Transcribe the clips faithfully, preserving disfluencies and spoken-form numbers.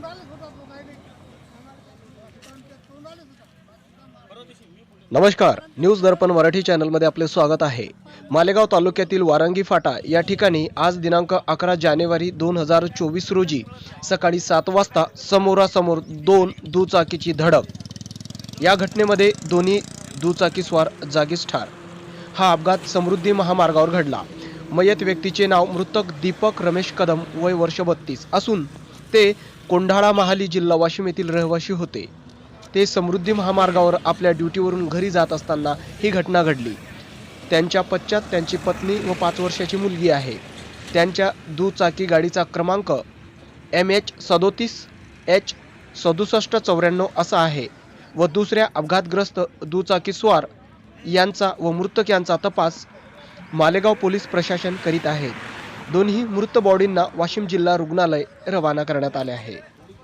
नमस्कार, न्यूज दर्पण मराठी चॅनलमध्ये आपले स्वागत आहे। मालेगाव तालुक्यातील वारंगी फाटा या ठिकाणी आज दिनांक अकरा जानेवारी दोन हजार चोवीस रोजी सकाळी सात वाजता समोरासमोर दोन दुचाकीची धडक। या घटनेमध्ये दोन्ही दुचाकीस्वार जागीच ठार। हा अपघात समृद्धी महामार्गावर घडला। मयत व्यक्तीचे नाव मृतक दीपक रमेश कदम, वय वर्ष बत्तीस असून ते कोंढाळा महाली जिल्हा वाशिम येथील रहिवासी होते। ते समृद्धी महामार्गावर आपल्या ड्युटीवरून घरी जात असताना ही घटना घडली। त्यांच्या पश्चात त्यांची पत्नी व पाच वर्षाची मुलगी आहे। त्यांच्या दुचाकी गाडीचा क्रमांक एम एच सदोतीस एच सदुसष्ट चौऱ्याण्णव असा आहे व दुसऱ्या अपघातग्रस्त दुचाकीस्वार यांचा व मृतक यांचा तपास मालेगाव पोलीस प्रशासन करीत आहे। दोन्ही मृत बॉडींना वाशिम जिल्हा रुग्णालय रवाना करण्यात आले आहे।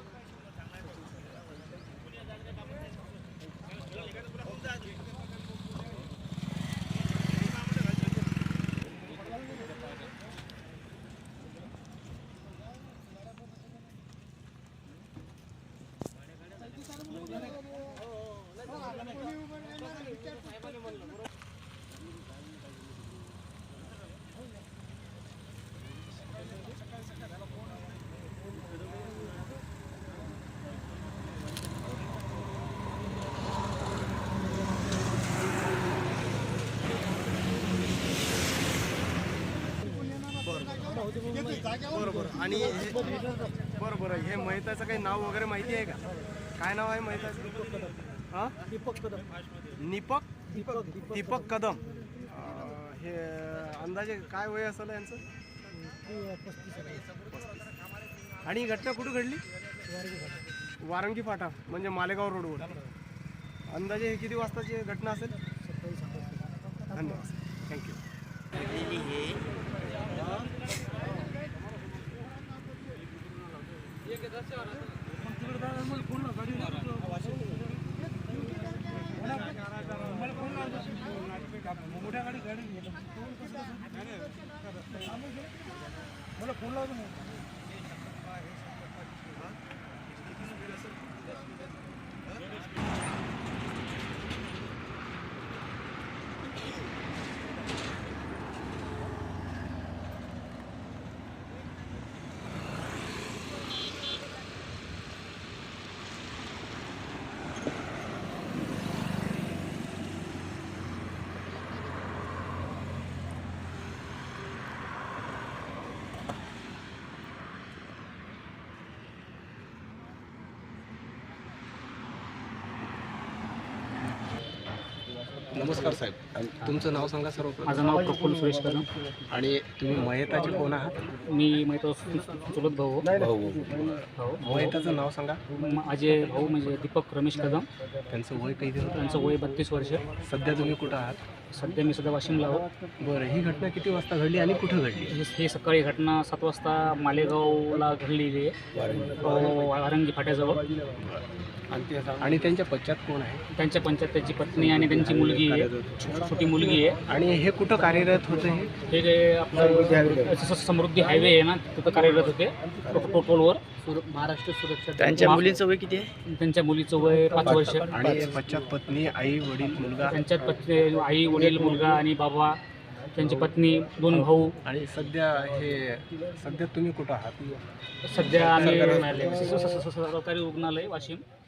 बरोबर आणि हे- बरोबर हे महिताचं काही नाव वगैरे माहिती आहे का? काय नाव आहे महिताचं? हां, दीपक कदम। दीपक दीपक दीपक कदम। अं, हे अंदाजे काय वय असेल यांचं? आणि ही घटना कुठं घडली? वारंगी फाटा म्हणजे मालेगाव रोडवर। अंदाजे हे किती वाजताची घटना असेल? धन्यवाद, थँक्यू। मोठ्या गाडी गाडी मला फोन लावतो। नमस्कार साहेब, तुमचं नाव सांगा सर्व। माझं नाव प्रफुल्ल सुरेश कदम आणि तुम्ही मयताचे कोण आहात? मी माहिती चुलत भाऊ भाऊ। भाऊ मयताचं नाव सांगा। माझे भाऊ म्हणजे दीपक रमेश कदम, त्यांचं वय किती होतं? त्यांचं वय बत्तीस वर्ष। सध्या तुम्ही कुठं आहात? सध्या मी सध्या वाशिमला आहो। बरं, ही घटना किती वाजता घडली आणि कुठं घडली? हे हे सकाळी घटना सात वाजता मालेगावला घडलेली आहे, वारंगी फाट्याजवळ। आणि त्यांच्या पश्चात कोण आहे? त्यांच्या पंचायत त्यांची पत्नी आणि त्यांची मुलगी आहे, छो- छोटी मुलगी आहे। आणि हे कुठं कार्यरत होते? हे जे आपलं स- समृद्धी हायवे आहे ना, तिथं कार्यरत होते टो- टोलवर। महाराष्ट्र सुरक्षा। त्यांच्या मुलीचं वय किती आहे? त्यांच्या मुलीचं वय पाच वर्ष। आणि पश्चात पत्नी, आई, वडील, मुलगा? त्यांच्यात पत्नी, आई, वडील, मुलगा आणि बाबा, त्यांची पत्नी, दोन भाऊ। आणि सध्या हे सध्या तुम्ही कुठं आहात? सध्या आम्ही स- स- स- सरकारी रुग्णालय वाशिम